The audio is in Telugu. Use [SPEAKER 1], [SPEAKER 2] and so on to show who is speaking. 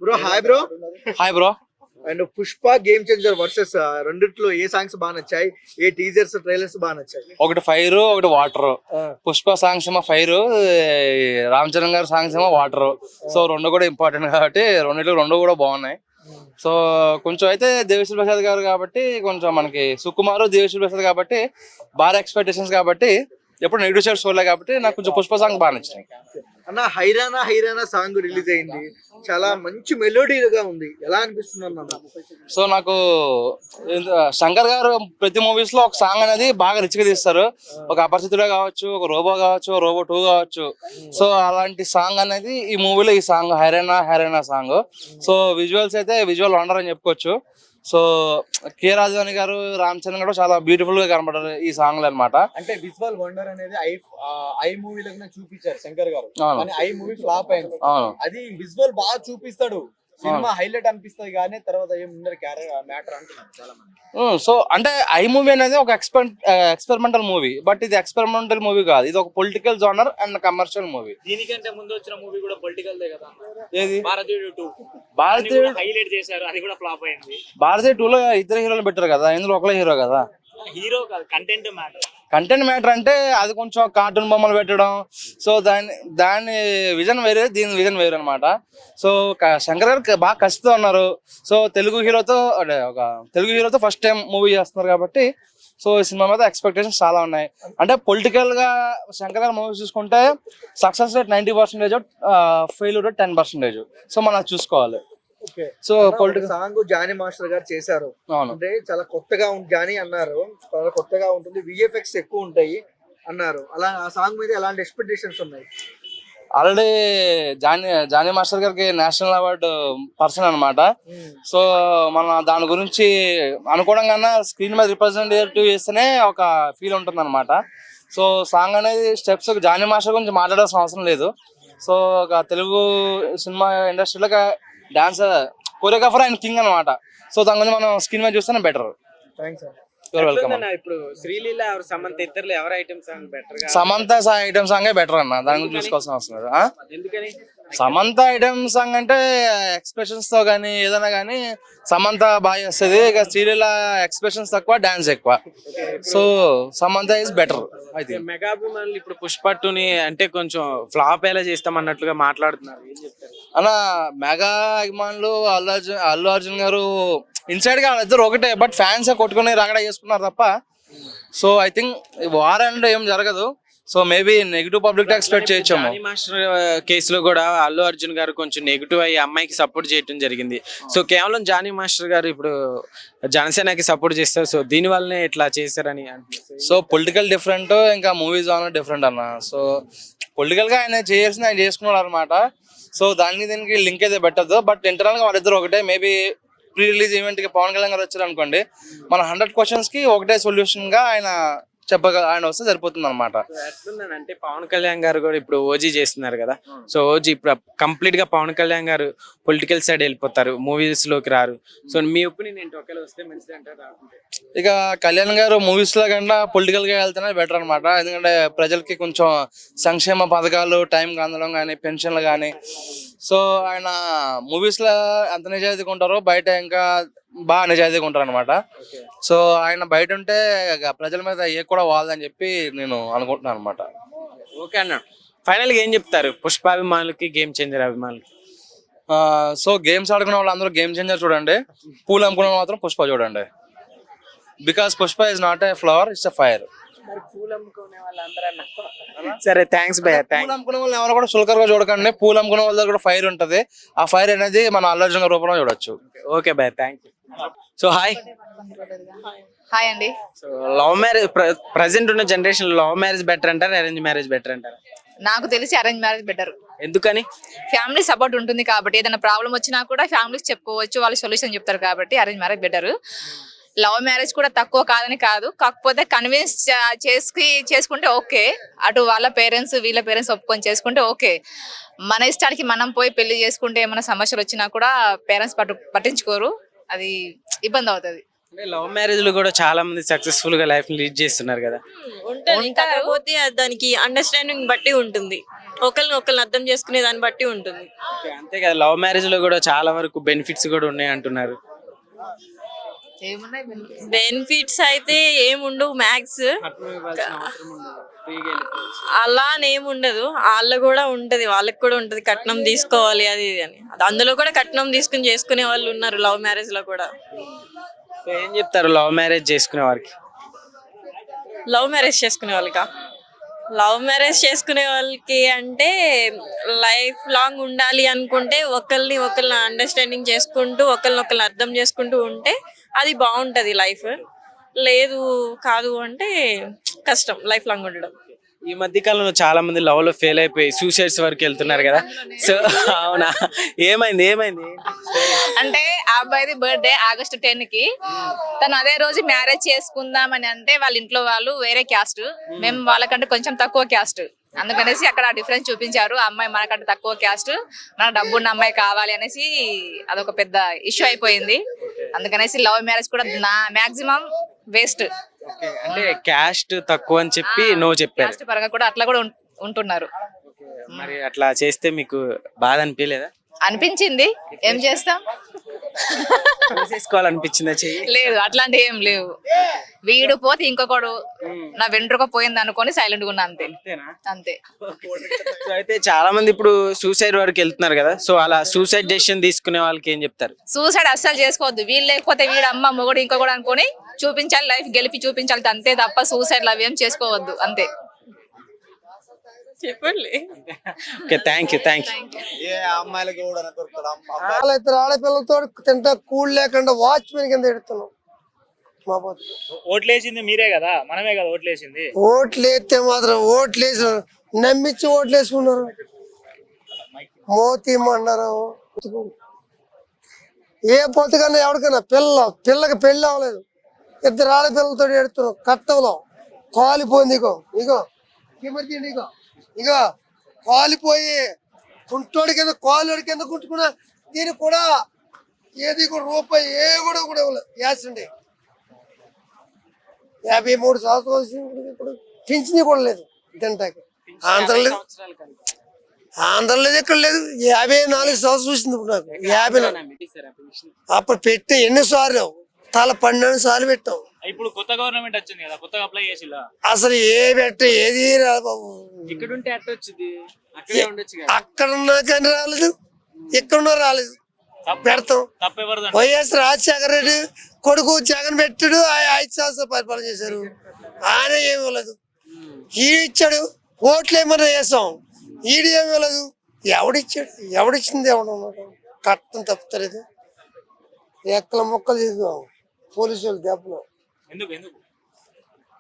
[SPEAKER 1] Bro hi bro.
[SPEAKER 2] Hi bro.
[SPEAKER 1] And Pushpa game changer versus రెండిట్లో ఏ సాంగ్స్ బాగా నచ్చాయి, ఏ టీజర్స్ ట్రైలర్స్ బాగా నచ్చాయి?
[SPEAKER 2] ఒకటి ఫైర్, ఒకటి వాటర్. పుష్ప సాంగ్స్ ఏమో ఫైర్, రామ్ చరణ్ గారి సాంగ్స్ ఏమో వాటర్. సో రెండు కూడా ఇంపార్టెంట్ కాబట్టి రెండు కూడా బాగున్నాయి. సో కొంచెం అయితే దేవిశ్రీ ప్రసాద్ గారు కాబట్టి కొంచెం మనకి సుకుమారు దేవిశ్రీ ప్రసాద్ కాబట్టి బాగా ఎక్స్పెక్టేషన్స్ కాబట్టి ఎప్పుడు నెగిటివ్ షేడ్స్ చూడలే కాబట్టి నాకు కొంచెం పుష్ప సాంగ్ బాగా నచ్చినాయి.
[SPEAKER 1] అన్న హైరానా హైరానా సాంగ్ రిలీజ్ అయింది, చాలా మంచి మెలోడీగా ఉంది, ఎలా అనిపిస్తుంది అన్న?
[SPEAKER 2] సో నాకు శంకర్ గారు ప్రతి మూవీస్ లో ఒక సాంగ్ అనేది బాగా రిచ్ గా తీస్తారు. ఒక అపరిచితుడే కావచ్చు, ఒక రోబో కావచ్చు, రోబో 2 కావచ్చు. సో అలాంటి సాంగ్ అనేది ఈ మూవీలో ఈ సాంగ్ హైరానా హైరానా సాంగ్. సో విజువల్స్ అయితే విజువల్ వండర్ అని చెప్పుకోవచ్చు. సో కే రాజధాని గారు, రామ్ చరణ్ గారు చాలా బ్యూటిఫుల్ గా కనబడారు ఈ సాంగ్ లో అనమాట.
[SPEAKER 1] అంటే విజువల్ వండర్ అనేది ఐ మూవీలో చూపించారు శంకర్ గారు, కానీ ఐ మూవీ ఫ్లాప్ అయింది. అది విజువల్ బాగా చూపిస్తాడు, సినిమా హైలైట్ అనిపిస్తుంది, కానీ తర్వాత ఏం మ్యాటర్ అంటున్నారు చాలా మంది.
[SPEAKER 2] సో అంటే ఐ మూవీ అనేది ఒక ఎక్స్పెరిమెంటల్ మూవీ, బట్ ఇది ఎక్స్పెరిమెంటల్ మూవీ కాదు, ఇది ఒక political genre and commercial movie.
[SPEAKER 3] దీనికంటే ముందు వచ్చిన మూవీ కూడా పొలిటికల్ దే కదా,
[SPEAKER 2] ఏది
[SPEAKER 3] భారతీయుడు 2.
[SPEAKER 2] భారతీయుడు
[SPEAKER 3] హైలైట్ చేశారు, అది కూడా ఫ్లాప్ అయింది.
[SPEAKER 2] భారతీయ 2లో ఇద్దరు హీరోలు పెట్టారు కదా, ఇందులో ఒకలే హీరో కదా.
[SPEAKER 3] హీరో కాదు, కంటెంట్ మ్యాటర్.
[SPEAKER 2] కంటెంట్ మ్యాటర్ అంటే అది కొంచెం కార్టూన్ బొమ్మలు పెట్టడం. సో దాని విజన్ వేరే, దీని విజన్ వేరే అనమాట. సో శంకర్ గారు బాగా కసితో ఉన్నారు. సో తెలుగు హీరోతో ఫస్ట్ టైం మూవీ చేస్తున్నారు కాబట్టి సో ఈ సినిమా మీద ఎక్స్పెక్టేషన్స్ చాలా ఉన్నాయి. అంటే పొలిటికల్ గా శంకర్ గారు మూవీస్ చూసుకుంటే success rate 90%, failure rate 10%. So మనం అది చూసుకోవాలి.
[SPEAKER 1] So political song Jani master garu చేశారు, అంటే చాలా కొత్తగా జానీ అన్నారు, చాలా కొత్తగా ఉంటుంది, విఎఫ్ఎక్స్ ఎక్కువ ఉంటాయి అన్నారు. అలా ఆ సాంగ్ మీద ఎలాంటి ఎక్స్పెక్టేషన్స్ ఉన్నాయి?
[SPEAKER 2] ఆల్రెడీ జానీ మాస్టర్ గారికి నేషనల్ అవార్డు పర్సన్ అనమాట. సో మన దాని గురించి అనుకోవడం కన్నా స్క్రీన్ మీద రిప్రజెంటేటివ్ చేస్తేనే ఒక ఫీల్ ఉంటుంది అనమాట. సో సాంగ్ అనేది స్టెప్స్ జానీ మాస్టర్ గురించి మాట్లాడాల్సిన అవసరం లేదు. సో ఒక తెలుగు సినిమా ఇండస్ట్రీలో డాన్స్ కొరియోగ్రాఫర్ అండ్ కింగ్ అనమాట. సో దాని గురించి మనం స్క్రీన్ మీద చూస్తేనే బెటర్.
[SPEAKER 3] ఇప్పుడు శ్రీలీల సమంత ఇద్దరు ఎవరు item song better?
[SPEAKER 2] Samantha item సాంగే బెటర్ అన్న, దాని గురించి చూసుకోవాల్సిన అవసరం లేదు.
[SPEAKER 3] ఎందుకని?
[SPEAKER 2] సమంత ఐటమ్ సాంగ్ అంటే ఎక్స్ప్రెషన్స్ తో గానీ ఏదైనా గానీ సమంత బాగా చేస్తుంది. ఇక శ్రీలీల ఎక్స్ప్రెషన్స్ తక్కువ, డాన్స్ ఎక్కువ. So Samantha is better. అయితే
[SPEAKER 3] మెగా అభిమానులు ఇప్పుడు పుష్ప 2ని అంటే కొంచెం ఫ్లాప్ ఎలా చేస్తాం అన్నట్లుగా మాట్లాడుతున్నారు, ఏం చెప్తారు
[SPEAKER 2] అలా? మెగా అభిమానులు అల్లు అర్జున్ గారు ఇన్సైడ్ గా ఇద్దరు ఒకటే, బట్ ఫ్యాన్స్ కొట్టుకుని రగడ చేసుకున్నారు తప్ప. So I think war and ఏం జరగదు. So maybe negative public expect చేయొచ్చు.
[SPEAKER 3] జానీ మాస్టర్ కేసులో కూడా అల్లు అర్జున్ గారు కొంచెం నెగిటివ్ అయ్యి అమ్మాయికి సపోర్ట్ చేయడం జరిగింది. సో కేవలం జానీ మాస్టర్ గారు ఇప్పుడు జనసేనకి సపోర్ట్ చేస్తారు. సో దీని వల్లనే ఇట్లా చేశారని.
[SPEAKER 2] సో పొలిటికల్ డిఫరెంట్, ఇంకా మూవీస్ ఆన్ డిఫరెంట్ అన్న. సో పొలిటికల్ గా ఆయన చేయాల్సింది ఆయన చేసుకున్నాడు అనమాట. సో దీనికి లింక్ అయితే పెట్టద్దు, బట్ ఇంటర్నల్ గా వాళ్ళిద్దరు ఒకటే. మేబీ ప్రీ రిలీజ్ ఈవెంట్ కి పవన్ కళ్యాణ్ గారు వచ్చారు అనుకోండి, మన 100 questions కి ఒకటే సొల్యూషన్ గా ఆయన వస్తే సరిపోతుంది అనమాట.
[SPEAKER 3] అంటే పవన్ కళ్యాణ్ గారు కూడా ఇప్పుడు ఓజీ చేస్తున్నారు కదా. సో ఓజీ ఇప్పుడు కంప్లీట్ గా పవన్ కళ్యాణ్ గారు పొలిటికల్ సైడ్ వెళ్ళిపోతారు, మూవీస్ లోకి రారు. సో మీ ఒపీనియన్ ఏంటి, ఒకవేళ వస్తే మంచిది అంటారు రాకుంటే?
[SPEAKER 2] ఇక కళ్యాణ్ గారు మూవీస్ లో కన్నా పొలిటికల్ గా వెళ్తేనే బెటర్ అనమాట. ఎందుకంటే ప్రజలకి కొంచెం సంక్షేమ పథకాలు టైంకి అందడం కానీ, పెన్షన్లు కానీ. సో ఆయన మూవీస్ లో ఎంత నిజాయితీగా ఉంటారో బయట ఇంకా బాగా నిజాయితీగా ఉంటారు అనమాట. సో ఆయన బయట ఉంటే ప్రజల మీద ఏ కూడా వాదని చెప్పి నేను అనుకుంటున్నాను అనమాట.
[SPEAKER 3] ఓకే అన్న, ఫైనల్ గా ఏం చెప్తారు పుష్ప అభిమానులకి, గేమ్ చేంజర్ అభిమానులకి?
[SPEAKER 2] సో గేమ్స్ ఆడుకునే వాళ్ళు అందరూ గేమ్ చేంజర్ చూడండి, పూలు అమ్ముకునే మాత్రం పుష్ప చూడండి. Because Pushpa is not a flower, it's a fire.
[SPEAKER 3] సరే, థ్యాంక్స్ భయ్యా.
[SPEAKER 2] పూలు అమ్ముకునే వాళ్ళు ఎవరు కూడా సుల్కర్ గా చూడకండి. పూలు అమ్ముకునే వాళ్ళ దగ్గర కూడా ఫైర్ ఉంటది. ఆ ఫైర్ అనేది మన అల్లు అర్జున్ రూపంలో చూడొచ్చు.
[SPEAKER 3] ఓకే భయ్యా, థ్యాంక్ యూ. సో హాయ్
[SPEAKER 4] అండి.
[SPEAKER 3] సో లవ్ మ్యారేజ్ ప్రెసెంట్ ఉన్న జనరేషన్ లవ్ మ్యారేజ్ బెటర్ అంటారా, అరేంజ్ మ్యారేజ్ బెటర్ అంటారా?
[SPEAKER 4] నాకు తెలిసి అరేంజ్ మ్యారేజ్ బెటర్.
[SPEAKER 3] ఎందుకని?
[SPEAKER 4] ఫ్యామిలీ సపోర్ట్ ఉంటుంది కాబట్టి, ఏదైనా ప్రాబ్లం వచ్చినా కూడా ఫ్యామిలీకి చెప్పుకోవచ్చు, వాళ్ళు సొల్యూషన్ చెప్తారు కాబట్టి arrange marriage better. Love marriage కూడా తక్కువ కాదని కాదు, కాకపోతే కన్విన్స్ చేసుకుంటే ఓకే. అటు వాళ్ళ పేరెంట్స్ వీళ్ళ పేరెంట్స్ ఒప్పుకొని చేసుకుంటే ఓకే. మన ఇష్టానికి మనం పోయి పెళ్లి చేసుకుంటే ఏమైనా సమస్యలు వచ్చినా కూడా పేరెంట్స్ పట్టించుకోరు, అది ఇబ్బంది అవుతుంది.
[SPEAKER 3] లవ్ మ్యారేజ్ లో కూడా చాలా మంది సక్సెస్ఫుల్ గా లైఫ్ లీడ్ చేస్తున్నారు కదా.
[SPEAKER 5] ఉంటుంది, కాకపోతే దానికి అండర్స్టాండింగ్ బట్టి ఉంటుంది. ఒకరిని అర్థం చేసుకునే దాన్ని బట్టి ఉంటుంది.
[SPEAKER 3] ఓకే, అంతే కదా, లవ్ మ్యారేజ్ లో కూడా చాలా వరకు బెనిఫిట్స్ కూడా ఉన్నాయి అంటున్నారు.
[SPEAKER 4] ఏమున్నాయి
[SPEAKER 5] బెనిఫిట్స్ అయితే ఏముండవు మ్యాక్స్,
[SPEAKER 3] కట్నం ఇవ్వాల్సిన అవసరం ఉండదు, ఫ్రీగా వెళ్ళిపోవచ్చు.
[SPEAKER 5] అలా అని ఏముండదు. వాళ్ళకు కూడా ఉంటది, వాళ్ళకి కూడా ఉంటది కట్నం తీసుకోవాలి అది ఇది అని. అందులో కూడా కట్నం తీసుకుని చేసుకునే వాళ్ళు ఉన్నారు లవ్ మ్యారేజ్ లో కూడా.
[SPEAKER 3] సో ఏం చెప్తారు లవ్ మ్యారేజ్ చేసుకునే వారికి?
[SPEAKER 5] లవ్ మ్యారేజ్ చేసుకునే వాళ్ళకా? లవ్ మ్యారేజ్ చేసుకునే వాళ్ళకి అంటే లైఫ్ లాంగ్ ఉండాలి అనుకుంటే ఒకరిని అండర్స్టాండింగ్ చేసుకుంటూ ఒకరిని అర్థం చేసుకుంటూ ఉంటే అది బాగుంటది లైఫ్. లేదు కాదు అంటే కష్టం లైఫ్ లాంగ్ ఉండడం.
[SPEAKER 3] ఈ మధ్య కాలంలో చాలా మంది లవ్ లో ఫెయిల్ అయిపోయి సూసైడ్స్ వరకు వెళ్తున్నారు కదా. సో అవునా, ఏమైంది?
[SPEAKER 4] అంటే ఆ అబ్బాయిది బర్త్డే August 10 కి, తను అదే రోజు మ్యారేజ్ చేసుకుందామని అంటే వాళ్ళ ఇంట్లో వాళ్ళు వేరే క్యాస్ట్, మేము వాళ్ళకంటే కొంచెం తక్కువ క్యాస్ట్, అందుకనేసి అక్కడ డిఫరెన్స్ చూపించారు. ఆ అమ్మాయి మనకంటే తక్కువ క్యాస్ట్, మన డబ్బున్న అమ్మాయి కావాలి అనేసి అదొక పెద్ద ఇష్యూ అయిపోయింది. అందుకనేసి లవ్ మ్యారేజ్ కూడా నా మాక్సిమం వేస్ట్.
[SPEAKER 3] అంటే క్యాస్ట్ తక్కువ అని చెప్పి నో చెప్పారు.
[SPEAKER 4] క్యాస్ట్ పరంగా కూడా అట్లా కూడా ఉంటున్నారు.
[SPEAKER 3] మరి అట్లా చేస్తే మీకు బాధ అనిపించలేదా?
[SPEAKER 4] అనిపించింది, ఏం చేస్తాం.
[SPEAKER 3] చేసుకోవాలనిపించిందా? చెయ్యి.
[SPEAKER 4] లేదు, అట్లాంటివి ఏం లేవు. వీడు పోతే ఇంకొకడు నా వెంట్రుక పోయింది అనుకొని సైలెంట్ గా ఉన్నా, అంతే అంతే.
[SPEAKER 3] సో అయితే చాలా మంది ఇప్పుడు సూసైడ్ వరకు వెళ్తున్నారు కదా, సో అలా సూసైడ్ డెసిషన్ తీసుకునే వాళ్ళకి ఏం చెప్తారు?
[SPEAKER 4] సూసైడ్ అస్సలు చేసుకోవద్దు. వీళ్ళు లేకపోతే వీడు అమ్మ మొగుడు ఇంకొకడు అనుకొని చూపించాలి, లైఫ్ గెలిపి చూపించాలి, అంతే తప్ప సూసైడ్ అవి ఏం చేసుకోవద్దు, అంతే.
[SPEAKER 5] చెప్పండి.
[SPEAKER 3] Okay, thank you.
[SPEAKER 1] ఏ అమ్మాయిలకి కూడా దొరుకుతాడు
[SPEAKER 6] వాళ్ళిద్దరు ఆడపిల్లలతో తింటా కూల్ లేకుండా వాచ్మెన్ కింద ఎడుతున్నాం. మా బతుకు
[SPEAKER 7] ఓట్లేసింది మీరే కదా, మనమే కదా ఓట్లేసింది.
[SPEAKER 6] ఓట్లేస్తే మాత్రం ఓట్లేసి నమ్మించి ఓట్లేసుకున్నారు. మోతీ మండరం ఏ పొత్తుకన్నా ఎవరికైనా పిల్లకి పెళ్ళి అవ్వలేదు, ఇద్దరు ఆడపిల్లలతో ఎడుతున్నాం. కట్టంలో కాలిపోయింది, ఇగో కాలిపోయి కుంటోడి కింద కాలుడి కింద కుట్టుకున్నా. దీనికి కూడా ఏది కూడా రూపాయి కూడా ఇవ్వలేదు. యాక్సిడెంట్ 53 సంవత్సరాలు ఇప్పుడు పింఛని కూడా లేదు తింటాకి. ఆంధ్రలో ఇక్కడ లేదు. 54 సంవత్సరాలు వచ్చింది ఇప్పుడు నాకు. 50 అప్పుడు పెట్టి ఎన్నిసార్లు 12 సార్లు పెట్టాం.
[SPEAKER 7] ఇప్పుడు కొత్త గవర్నమెంట్ వచ్చింది కదా, కొత్తగా అప్లై చేసిలా.
[SPEAKER 6] అసలు ఏది రాదు బాబు.
[SPEAKER 3] ఇక్కడ ఉంటే అట్ట వచ్చింది, అక్కడే ఉండొచ్చు కదా.
[SPEAKER 6] అక్కడ ఉన్నా కానీ రాలేదు, ఇక్కడ రాలేదు. పెడతాం.
[SPEAKER 7] తప్పెవరిది?
[SPEAKER 6] వైఎస్ రాజశేఖర రెడ్డి కొడుకు జగన్ పెట్టాడు, 5 సంవత్సరాలు పరిపాలన చేశారు. ఆయన ఏమి ఇవ్వలేదు. ఈడు ఇచ్చాడు, ఓట్లు ఏమన్నా వేసాం, ఈడు ఏమి ఇవ్వలేదు. ఎవడిచ్చింది ఎవడన్నాడు. కట్టం తప్పుతలేదు. ఎక్కల మొక్కలు చేద్దాం పోలీసు వాళ్ళు దెబ్బలు.
[SPEAKER 7] ఎందుకు